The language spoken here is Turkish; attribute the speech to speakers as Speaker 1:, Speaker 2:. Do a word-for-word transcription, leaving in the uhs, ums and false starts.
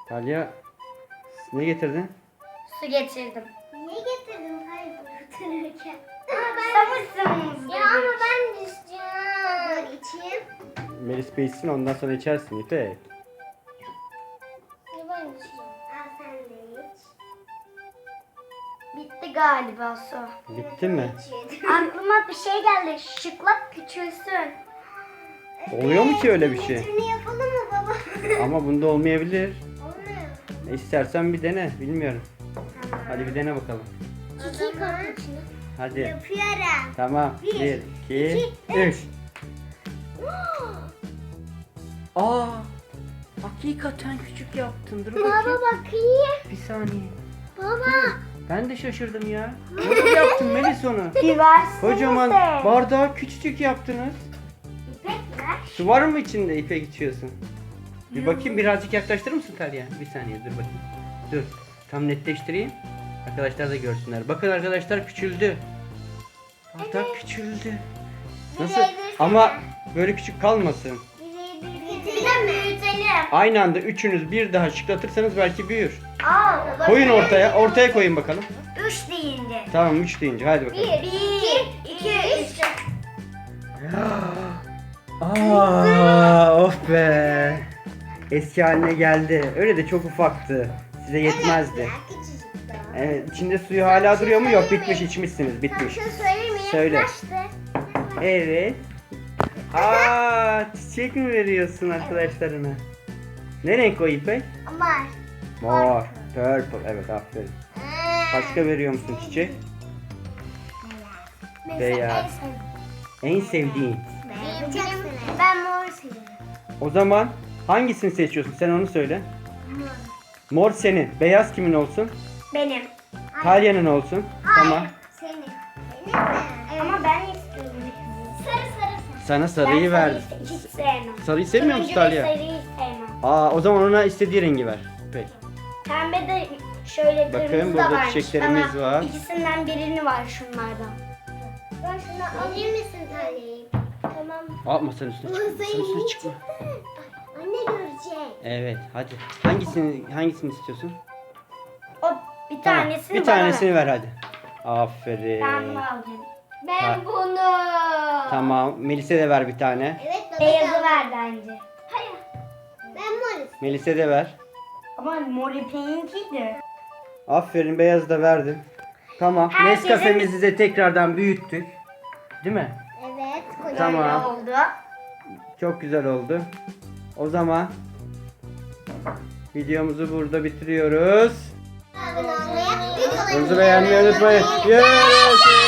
Speaker 1: Talya ne getirdin?
Speaker 2: Su getirdim.
Speaker 3: Niye getirdin? Hayır götürürken.
Speaker 2: Susamışsınız.
Speaker 3: Ya ama ben düşeceğim. Dur içeyim.
Speaker 1: Melis Bey içsin, ondan sonra içersin İpek.
Speaker 3: Ya ben içeceğim. Al sen de iç.
Speaker 2: Bitti galiba su.
Speaker 1: Bitti mi?
Speaker 3: İçelim.
Speaker 2: Aklıma bir şey geldi. Şıklak küçülsün.
Speaker 1: Oluyor mu ki öyle bir şey?
Speaker 3: Metrini yapalım mı baba?
Speaker 1: Ama bunda olmayabilir.
Speaker 3: Olmuyor.
Speaker 1: E, İstersen bir dene, bilmiyorum. Hadi bir dene bakalım.
Speaker 3: Çiçeği koy içine.
Speaker 1: Hadi.
Speaker 3: Yapıyorum.
Speaker 1: Tamam.
Speaker 3: Bir,
Speaker 1: Bir, iki,
Speaker 3: iki,
Speaker 1: üç. Aa! Hakikaten küçük yaptın. Dur
Speaker 3: Baba
Speaker 1: bakayım.
Speaker 3: bakayım.
Speaker 1: Bir saniye.
Speaker 3: Baba.
Speaker 1: Ben de şaşırdım ya. Nasıl yaptın Melis onu?
Speaker 2: Bir versenize.
Speaker 1: Kocaman bardağı küçücük yaptınız.
Speaker 2: İpek ver.
Speaker 1: Su var mı içinde İpek içiyorsun? Bir bakayım, birazcık yaklaştırır mısın Talya? Bir saniye dur bakayım. Dur. Tam netleştireyim. Arkadaşlar da görsünler. Bakın arkadaşlar, küçüldü. Bardak küçüldü. Nasıl?
Speaker 3: Birebir
Speaker 1: Ama böyle küçük kalmasın.
Speaker 3: Bir de büyütelim.
Speaker 1: Aynı anda üçünüz bir daha şıklatırsanız belki büyür.
Speaker 2: Aa,
Speaker 1: Koyun ortaya. Ortaya koyun bakalım.
Speaker 2: Üç deyince.
Speaker 1: Tamam, üç deyince hadi bakalım.
Speaker 2: Bir, bir, iki, üç.
Speaker 1: Aa, of be. Eski haline geldi. Öyle de çok ufaktı. Size yetmezdi.
Speaker 3: Küçücük daha.
Speaker 1: Evet, içinde suyu hala duruyor mu? Yok, bitmiş, içmişsiniz. Bitmiş.
Speaker 3: Şunu söyleyeyim mi?
Speaker 1: Söyle.
Speaker 3: Yaklaştı.
Speaker 1: Evet. Aa, çiçek mi veriyorsun arkadaşlarına? Ne renk o İpek?
Speaker 3: Var.
Speaker 1: Mor. Purple. Evet, aferin. Başka veriyor musun çiçek? Beyaz. En sevdiğin.
Speaker 3: Benim çok severim. Ben mor seviyorum.
Speaker 1: O zaman hangisini seçiyorsun? Sen onu söyle. Mor senin. Beyaz kimin olsun?
Speaker 2: Benim.
Speaker 1: Talya'nın olsun. Tamam.
Speaker 3: Senin. Benim mi?
Speaker 2: Ama ben istiyorum.
Speaker 3: Sarı sarı sarı.
Speaker 1: Sana sarıyı
Speaker 2: Ben
Speaker 1: verdim.
Speaker 2: sarıyı hiç sevmem.
Speaker 1: Sarıyı sevmiyor musun
Speaker 2: Turuncu ve
Speaker 1: Talya?
Speaker 2: sarıyı sevmem.
Speaker 1: Aa, o zaman ona istediği rengi ver. Peki.
Speaker 2: Pembe de şöyle
Speaker 1: Bakın,
Speaker 2: kırmızı
Speaker 1: burada
Speaker 2: da varmış.
Speaker 1: çiçeklerimiz
Speaker 2: Ama
Speaker 1: var.
Speaker 2: ikisinden birini var şunlardan.
Speaker 3: Ben şunu alayım mısın Talya'yı? Tamam.
Speaker 1: Aa, masanın üstüne çıkma. Masanın üstüne çıkma.
Speaker 3: Anne görecek.
Speaker 1: Evet, hadi. Hangisini hangisini istiyorsun?
Speaker 2: O bir tanesini
Speaker 1: Bir
Speaker 2: bana
Speaker 1: tanesini
Speaker 2: ver.
Speaker 1: ver hadi. Aferin.
Speaker 2: Ben bunu alacağım. Ben
Speaker 1: Ha.
Speaker 2: bunu.
Speaker 1: Tamam. Melis'e de ver bir tane.
Speaker 3: Evet baba.
Speaker 2: Beyazı
Speaker 3: da-
Speaker 2: ver bence.
Speaker 3: Hayır. Ben mor.
Speaker 1: Melis'e de ver.
Speaker 2: Ama mor ipeğinkiydi.
Speaker 1: Aferin, beyazı da verdim. Tamam.
Speaker 2: Herkesin-
Speaker 1: Nescafe'mizi de tekrardan büyüttük. Değil mi?
Speaker 3: Evet. Kocaman.
Speaker 1: Tamam.
Speaker 2: Oldu.
Speaker 1: Çok güzel oldu. O zaman videomuzu burada bitiriyoruz.
Speaker 3: Abone olmayı, büyük olayı
Speaker 1: Bizi beğenmeyi unutmayın. Görüşürüz.